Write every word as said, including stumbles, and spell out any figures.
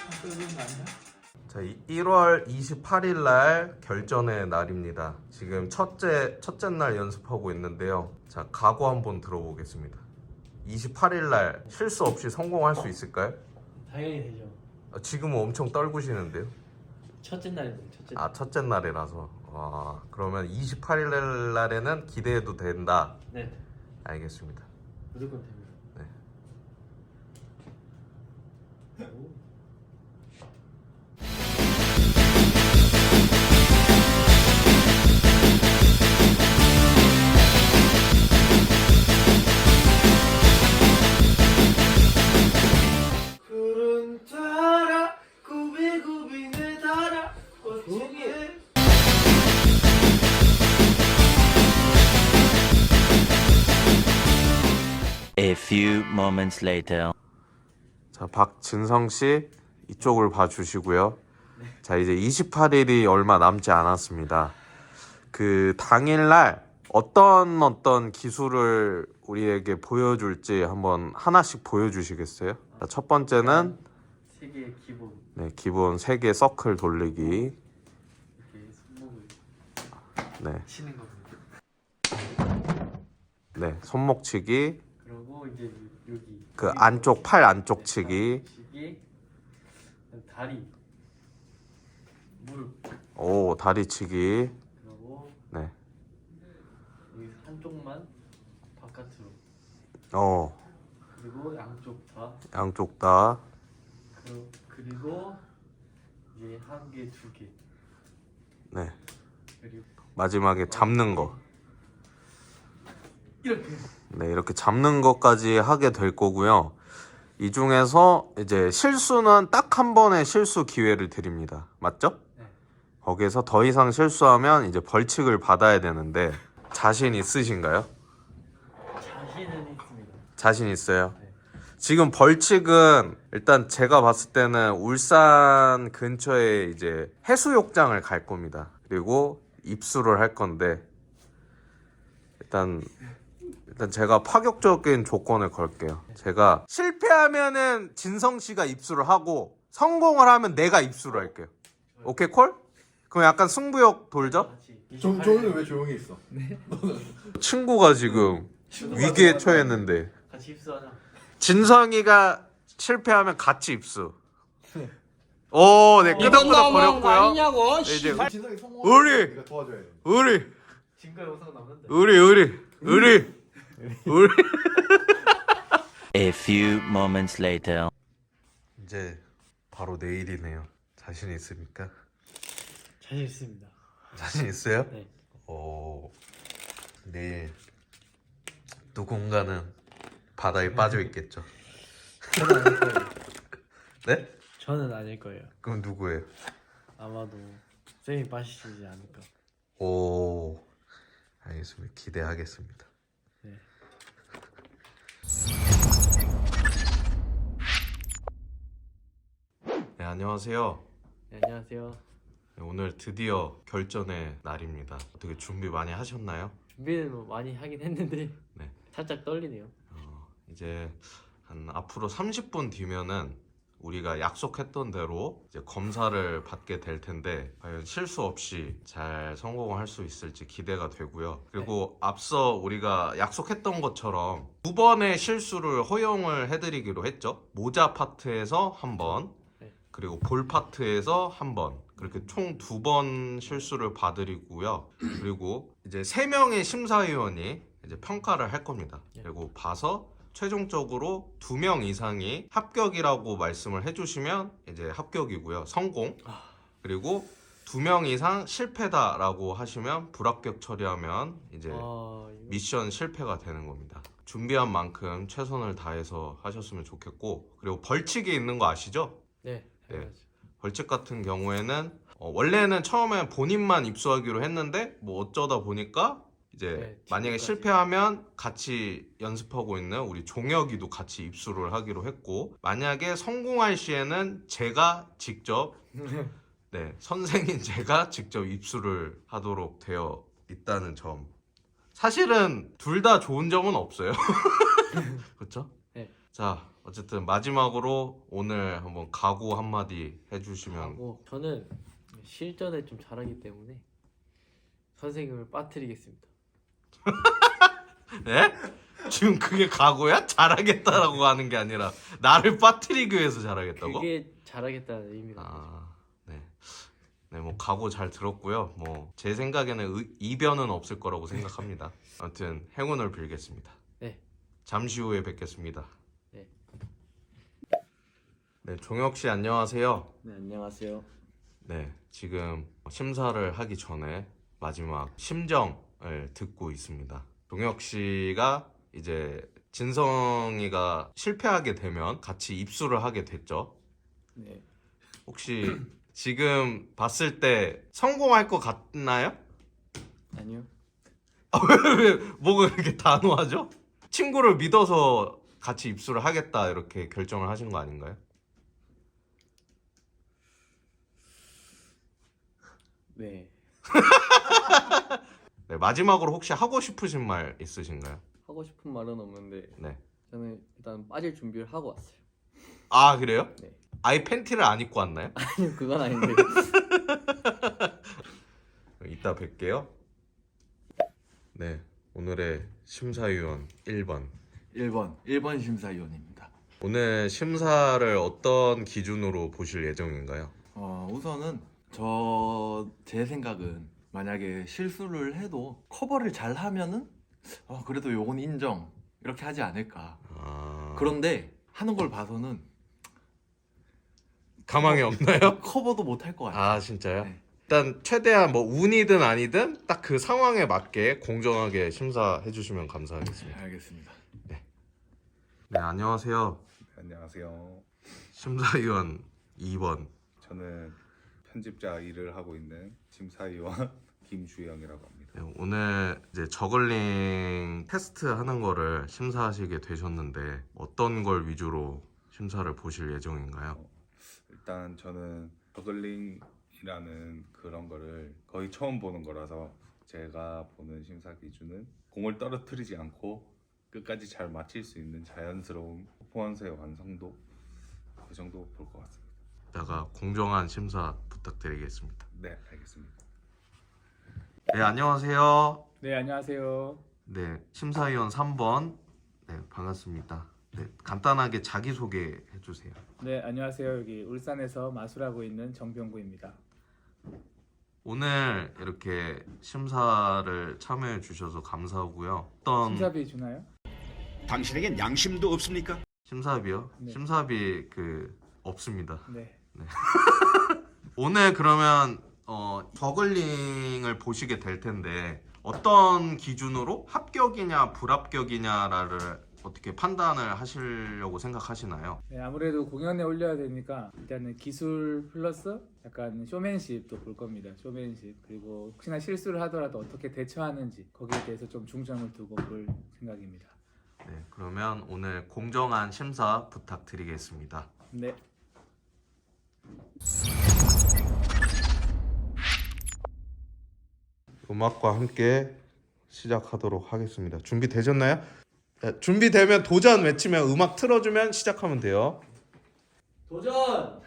자, 일월 이십팔일 날 결전의 날입니다. 지금 첫째 첫째 날 연습하고 있는데요. 자, 각오 한번 들어보겠습니다. 이십팔일 날 실수 없이 성공할 수 있을까요? 당연히 되죠. 아, 지금은 엄청 떨구시는데요. 첫째 날입니다. 첫째 날. 아, 첫째 날이라서. 와, 그러면 이십팔일 날에는 기대해도 된다. 네, 알겠습니다. 무조건 됩니다. 네. 오. 구름 따라 구비구비 내 달아 꽃중에 A few moments later. 자, 박진성 씨 이쪽을 봐주시고요. 자, 이제 이십팔일이 얼마 남지 않았습니다. 그 당일날 어떤 어떤 기술을 우리에게 보여줄지 한번 하나씩 보여주시겠어요? 자, 첫 번째는 세계의 기본 네, 기본 세 개 서클 돌리기. 이렇게 손목을 네, 치는 겁니다. 네, 손목치기. 그리고 이제 여기 그 안쪽 팔 안쪽 치기. 치기, 다리, 무릎, 오, 다리치기. 그리고 네, 여기 한쪽만 바깥으로, 어, 그리고 양쪽 다, 양쪽 다. 그리고, 그리고 이제 한 개, 두 개, 네, 그리고 마지막에 잡는 거. 이렇게. 네, 이렇게 잡는 것까지 하게 될 거고요. 이 중에서 이제 실수는 딱 한 번의 실수 기회를 드립니다. 맞죠? 네. 거기에서 더 이상 실수하면 이제 벌칙을 받아야 되는데 자신 있으신가요? 자신은 있습니다. 자신 있어요? 네. 지금 벌칙은 일단 제가 봤을 때는 울산 근처에 이제 해수욕장을 갈 겁니다. 그리고 입수를 할 건데 일단 일단 제가 파격적인 조건을 걸게요. 제가 실패하면은 진성 씨가 입수를 하고 성공을 하면 내가 입수를 할게요. 오케이 콜? 그럼 약간 승부욕 돌죠? 같이 정, 저는 왜 조용히 있어? 친구가 지금 위기에 처했는데 같이 입수하자. 진성이가 실패하면 같이 입수. 오, 네, 끄덕끄덕 거렸고요. 네, 이제 진성이 성공하면 우리! 네가 도와줘야 돼. 우리 증거 영상 남는데. 우리 우리 우리 우리 A few moments later. 이제 바로 내일이네요. 자신 있습니까? 자신 있습니다. 자신 있어요? 네. 오, 내일 누군가는 바다에 빠져 있겠죠. 저는 아닐 거예요. 네? 저는 아닐 거예요. 그럼 누구예요? 아마도 쌤이 빠지시지 않을까. 오, 알겠습니다. 기대하겠습니다. 네. 네, 안녕하세요. 네, 안녕하세요. 네, 오늘 드디어 결전의 날입니다. 어떻게 준비 많이 하셨나요? 준비는 뭐 많이 하긴 했는데 네. 살짝 떨리네요. 어, 이제 한 앞으로 삼십 분 뒤면은 우리가 약속했던 대로 이제 검사를 받게 될 텐데 과연 실수 없이 잘 성공을 할 수 있을지 기대가 되고요. 그리고 네. 앞서 우리가 약속했던 것처럼 두 번의 실수를 허용을 해드리기로 했죠. 모자 파트에서 한 번, 네. 그리고 볼 파트에서 한 번, 그렇게 총 두 번 실수를 봐드리고요. 그리고 이제 세 명의 심사위원이 이제 평가를 할 겁니다. 네. 그리고 봐서 최종적으로 두 명 이상이 합격이라고 말씀을 해주시면 이제 합격이고요. 성공. 그리고 두 명 이상 실패다라고 하시면 불합격 처리하면 이제 아, 이거... 미션 실패가 되는 겁니다. 준비한 만큼 최선을 다해서 하셨으면 좋겠고, 그리고 벌칙이 있는 거 아시죠? 네. 네. 벌칙 같은 경우에는 어, 원래는 처음에 본인만 입수하기로 했는데 뭐 어쩌다 보니까 이제 네, 만약에 친구까지. 실패하면 같이 연습하고 있는 우리 종혁이도 같이 입수를 하기로 했고, 만약에 성공할 시에는 제가 직접 네, 선생인 제가 직접 입수를 하도록 되어 있다는 점. 사실은 둘 다 좋은 점은 없어요. 그렇죠? 네. 자, 어쨌든 마지막으로 오늘 한번 각오 한마디 해주시면. 하고 저는 실전에 좀 잘하기 때문에 선생님을 빠뜨리겠습니다. 네? 지금 그게 각오야? 잘하겠다라고 하는 게 아니라 나를 빠뜨리기 위해서 잘하겠다고? 그게 잘하겠다는 의미가 아, 네. 네, 뭐 각오 잘 들었고요. 뭐 제 생각에는 의- 이변은 없을 거라고 생각합니다. 아무튼 행운을 빌겠습니다. 네. 잠시 후에 뵙겠습니다. 네. 네, 종혁 씨 안녕하세요. 네, 안녕하세요. 네, 지금 심사를 하기 전에 마지막 심정을 듣고 있습니다. 종혁 씨가 이제 진성이가 실패하게 되면 같이 입수를 하게 됐죠. 네. 혹시 지금 봤을 때 성공할 것 같나요? 아니요. 왜 뭐가 그렇게 단호하죠? 친구를 믿어서 같이 입수를 하겠다 이렇게 결정을 하신 거 아닌가요? 네. 네, 마지막으로 혹시 하고 싶으신 말 있으신가요? 하고 싶은 말은 없는데 네. 저는 일단 빠질 준비를 하고 왔어요. 아, 그래요? 네. 아예 팬티를 안 입고 왔나요? 아니요, 그건 아닌데. 이따 뵐게요. 네, 오늘의 심사위원 일 번. 일 번 일 번 심사위원입니다. 오늘 심사를 어떤 기준으로 보실 예정인가요? 어, 우선은 저 제 생각은 만약에 실수를 해도 커버를 잘 하면은 어, 그래도 요건 인정 이렇게 하지 않을까. 아... 그런데 하는 걸 봐서는 가망이 없나요? 커버도 못 할 것 같아요. 아, 진짜요? 네. 일단 최대한 뭐 운이든 아니든 딱 그 상황에 맞게 공정하게 심사해 주시면 감사하겠습니다. 알겠습니다. 네, 안녕하세요. 안녕하세요. 심사위원 이 번. 저는 편집자 일을 하고 있는 심사위원 김주영이라고 합니다. 네, 오늘 이제 저글링 테스트 하는 거를 심사하시게 되셨는데 어떤 걸 위주로 심사를 보실 예정인가요? 일단 저는 저글링이라는 그런 거를 거의 처음 보는 거라서 제가 보는 심사 기준은 공을 떨어뜨리지 않고 끝까지 잘 맞힐 수 있는 자연스러운 퍼포먼스의 완성도 그 정도 볼 것 같습니다. 이따가 공정한 심사 부탁드리겠습니다. 네, 알겠습니다. 네, 안녕하세요. 네, 안녕하세요. 네, 심사위원 삼 번. 네, 반갑습니다. 네, 간단하게 자기소개 해주세요. 네, 안녕하세요. 여기 울산에서 마술하고 있는 정병구입니다. 오늘 이렇게 심사를 참여해 주셔서 감사하고요. 어떤 심사비 주나요? 당신에겐 양심도 없습니까? 심사비요? 네. 심사비 그 없습니다. 네. 오늘 그러면 어, 저글링을 보시게 될 텐데 어떤 기준으로 합격이냐 불합격이냐를 어떻게 판단을 하시려고 생각하시나요? 네, 아무래도 공연에 올려야 되니까 일단은 기술 플러스 약간 쇼맨십도 볼 겁니다. 쇼맨십. 그리고 혹시나 실수를 하더라도 어떻게 대처하는지 거기에 대해서 좀 중점을 두고 볼 생각입니다. 네, 그러면 오늘 공정한 심사 부탁드리겠습니다. 네. 음악과 함께 시작하도록 하겠습니다. 준비되셨나요? 네, 준비되면 도전 외치면 음악 틀어주면 시작하면 돼요. 도전!